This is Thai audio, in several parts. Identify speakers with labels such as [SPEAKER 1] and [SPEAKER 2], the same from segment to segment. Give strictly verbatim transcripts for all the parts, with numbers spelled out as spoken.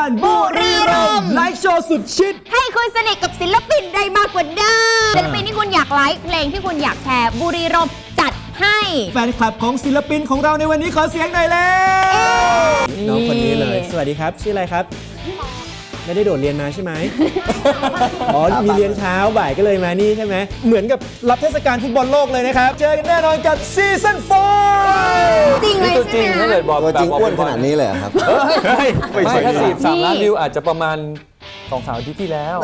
[SPEAKER 1] การบุรีรัมย์ไลฟ์โชว์สุดชิด
[SPEAKER 2] ให้คุณสนิทกับศิลปินได้มากกว่าเดิมศิลปินที่คุณอยากไลฟ์เพลงที่คุณอยากแชร์บุรีรัมย์จัดให้
[SPEAKER 1] แฟนคลับของศิลปินของเราในวันนี้ขอเสียงหน่อยแล้วน้องคนนี้เลยสวัสดีครับชื่ออะไรครับไม่ได้โดดเรียนมาใช่ไหม อ๋อ มีเรียนเช้าบ่ายก็เลยมานี่ใช่ไหมเหมือนกับรับเทศกาลฟุตบอลโลกเลยนะครับเจอกันแน่นอนกับซีซั่นโฟร์
[SPEAKER 2] จริงเลยใช่ไหมถ้าเกิด
[SPEAKER 3] บอกตัวจริงอ้วนขนาดนี้เลยครับ
[SPEAKER 4] ไม่ใช่ถ้าสี่สามล้านวิวอาจจะประมาณสองสามอาทิตย์ที่แล้ว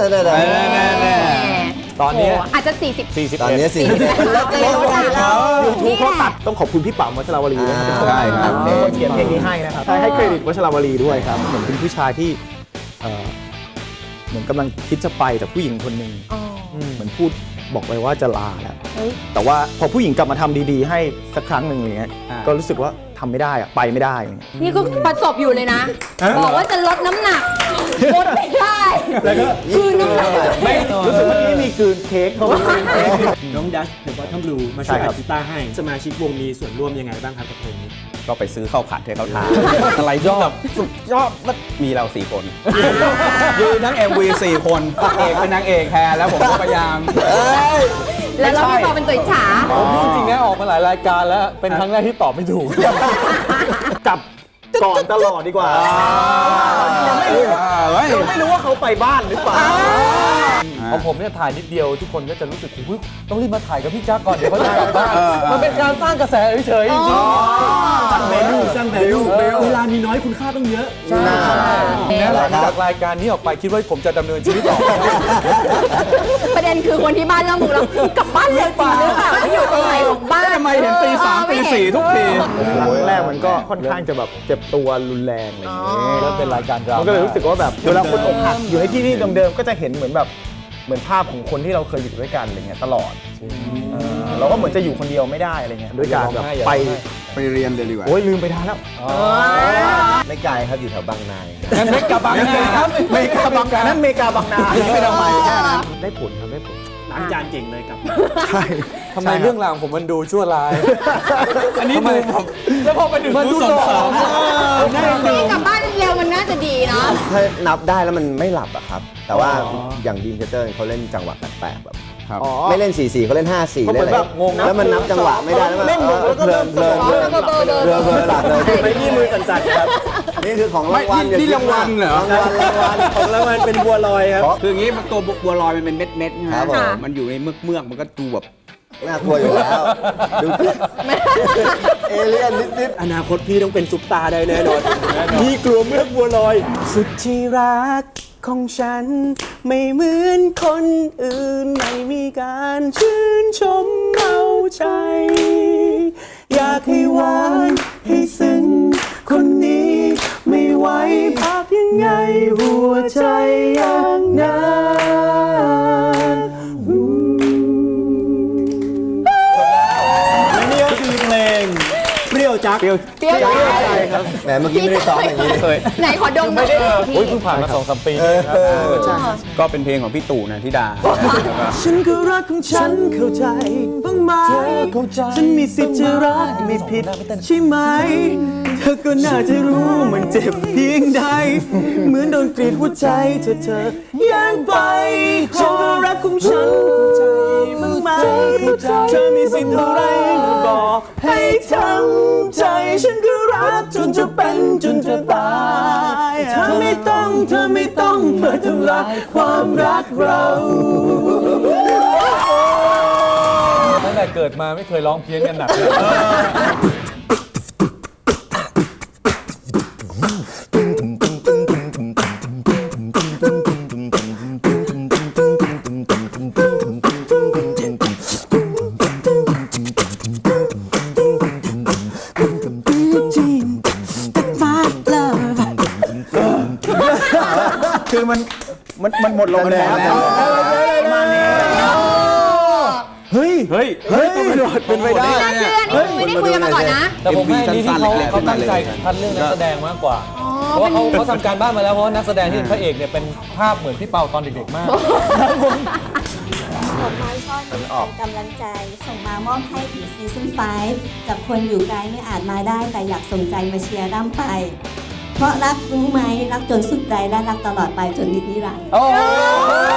[SPEAKER 4] ตอนนี้
[SPEAKER 2] อาจจะสี่สิบ
[SPEAKER 4] สี่สิบ
[SPEAKER 3] ตอนนี้สี่สิบ
[SPEAKER 2] ลดเลยลดแล้ว
[SPEAKER 1] ยูทูบเขาตัดต้องขอบคุณพี่ป๋าวัชรวลีนะครับใช่ครับเขียนเพลงนี้ให้นะครับให้เครดิตวัชรวลีด้วยครับเหมือนเป็นผู้ชายที่เหมือนกำลังคิดจะไปแต่ผู้หญิงคนหนึ่งเหมือนพูดบอกไปว่าจะลาแล้วแต่ว่าพอผู้หญิงกลับมาทำดีๆให้สักครั้งหนึ่งอย่างเงี้ยก็รู้สึกว่าทำไม่ได้อะไปไม่ได้
[SPEAKER 2] นี่ก็ประสบอยู่เลยนะบอกว่าจะลดน้ำหนักลดไม่ได้
[SPEAKER 1] แล้วก็
[SPEAKER 2] คืนน้ำหนัก
[SPEAKER 1] ไม่รู้สึกว่านี่มีคืนเค้กเขาน้องดัชเดอะบอททอมบลูมาช่วยอัดกีตาร์ให้สมาชิกวงมีส่วนร่วมยังไงบ้างครับกับเพลงนี้
[SPEAKER 3] ก็ไปซื้อข้าวผัดให้เขาทานอะไรยอดสุดยอดมีเราสี่คนยืนทั้ง เอ็ม วี สี่คนเอกเป็นนางเอกแทนแล้วผมก็พยายาม
[SPEAKER 2] แล้วเราพี่ปอเป็นตัวฉา
[SPEAKER 4] จริงๆนะออกมาหลายรายการแล้วเป็นครั้งแรกที่ตอบไม่ถูก
[SPEAKER 1] จับก่อนตลอดดีกว่ายังไม่รู้ว่าเขาไปบ้านหรือเปล่า
[SPEAKER 4] ของผมเนี่ยถ่ายนิดเดียวทุกคนก็จะรู้สึกอุ๊ยต้องรีบมาถ่ายกับพี่จ๊าก่อนเดี๋ยวเขาจะกลับบ้านมันเป็นการสร้างกระแสเฉยๆจริงๆ
[SPEAKER 1] สร้างแวลูสร้างแวลูเวลามีน้อยคุณค่าต้องเยอะ
[SPEAKER 4] ใช่แล้วหลังจากรายการนี้ออกไปคิดว่าผมจะดำเนินชีวิตต่อ
[SPEAKER 2] ประเด็นคือคนที่บ้านเริ่มรู้แล้วกลับบ้านเร็วจริงหรือเปล่าอยู่ตรงไหนของบ้าน
[SPEAKER 3] ทำไมเห็นตีสามตีสี่ทุกที
[SPEAKER 1] แรกมันก็ค่อนข้างจะแบบเจ็บตัวรุนแรงอะไรอย่างเงี้ย
[SPEAKER 4] แล้วเป็นรายการเรา
[SPEAKER 1] มันก็เลยรู้สึกว่าแบบเวลาคนอกหักอยู่ในที่นี่เดิมๆก็จะเห็นเหมือนแบบเหมือนภาพของคนที่เราเคยอยู่ด้วยกันอะไรเงี้ยตลอดเราก็เหมือนจะอยู่คนเดียวไม่ได้อะไรเงี้ยด้วยการแบบไป
[SPEAKER 3] ไปเรียนเลยดีกว่า
[SPEAKER 1] โอ้ยลืมไปทานแล้ว
[SPEAKER 3] ไม่ไกลครับอยู่แถวบางนา
[SPEAKER 1] นั่นเมกาบางนาครับเมกาบางนานั่นเมกาบางนา
[SPEAKER 3] ไม่ต้องไปแค่นั้น
[SPEAKER 1] ได้ผลครับได้ผลล้างจานเก่งเลยกับ
[SPEAKER 4] ใช่ทำไมเรื่องราวผมมันดูชั่วร้ายอันนี้ดูแล้วพอไปถึงมันดูสองสอง
[SPEAKER 2] นี่กลับบ้านเร็วมันน่าจะดีเนาะ
[SPEAKER 3] ถ้านับได้แล้วมันไม่หลับอะครับแต่ว่าอย่างดีมเทเตอร์เขาเล่นจังหวะแปลกๆแบบไม่เล่นสี่สี่เขาเล่นห้าสี่เล่นอะไรแล้วมันนับจังหวะไม่ได้แล้วมันเพลินเพลินเพลินเพลินเพลินหลับเลย
[SPEAKER 1] ไม่นี่มือสั่นๆครับ
[SPEAKER 3] นี่คือของรางวัล
[SPEAKER 1] นี่รางวัลเหรอรางวัลรางวัลของรางวัลเป็นบัวลอยครับ
[SPEAKER 3] คืออย่างนี้ตัวบัวลอยมันเป็นเม็ดเม็ดนะครับมันอยู่ในเมือกเมือกมันก็ดูแบบน่ากลัวอยู่แล้วดูเอเลี่ยนนิด
[SPEAKER 1] ๆอนาคตพี่ต้องเป็นซุปตาได้แน่นอนพี่กลัวเมือกบัวลอยสุดที่รักของฉันไม่เหมือนคนอื่นไม่มีการชื่นชมเอาใจอยากให้หวานให้ซึ้งคนนี้ไม่ไหวพักยังไงหัวใจอย่างนั้นและนี่ก็คือเพลงเปรี้ยวจักเปรี้ยว
[SPEAKER 2] จัก
[SPEAKER 3] ครับแหมเมื่อกี้ไม่ได้ซ้อมอย่างนี้เลย
[SPEAKER 2] ไหนขอดม
[SPEAKER 4] ไม่ได้โอ้ยเพิ่งผ่านมาสองสามปี
[SPEAKER 3] ก็เป็นเพลงของพี่ตู่นันทิดา
[SPEAKER 1] ฉันก็รักของฉันเข้าใจบ้างไหมฉันมีสิทธิ์จะรักไม่ผิดใช่ไหมเธอก็น่าจะรู้มันเจ็บเพียงใดเหมือนโดนกรีดหัวใจเธอเธอแย่งไปฉันก็รักของฉันเข้าใจบ้างไหมเธอมีสิทธิ์อะไรมาบอกให้ทำใจฉันก็รักจนจะเป็นจนจะตายเธอไม่ต้องเธอไม่ต้องมาทำลายความรักเรา
[SPEAKER 4] ตั้งแต่เกิดมาไม่เคยร้องเพี้ยนกันหนักเลย
[SPEAKER 1] คือมันมันมันหมดลงแล้วมาเนี่ยเฮ้ยเฮ้ยเฮ้ยเป็นไปได้
[SPEAKER 2] น่าเชื่อนี่ไม่ได้คุยกันมาก่อนนะ
[SPEAKER 4] แต่ผมให้นี่ที่เขาเขาตั้งใจคัดเรื่องนักแสดงมากกว่าเพราะว่าเขาเขาทำการบ้านมาแล้วเพราะว่านักแสดงที่เป็นพระเอกเนี่ยเป็นภาพเหมือนพี่เปาตอนเด็กๆมาก
[SPEAKER 5] ดอกไม้ช่อนี้เป็นกำลังใจส่งมามอบให้ถึงซีซั่นไฟว์กับคนอยู่ไกลไม่อาจมาได้แต่อยากส่งใจมาเชียร์ร่ำไปเพราะรักรู้ไหมรักจนสุดใจและรักตลอดไปจนนิรันดร์
[SPEAKER 4] โอ้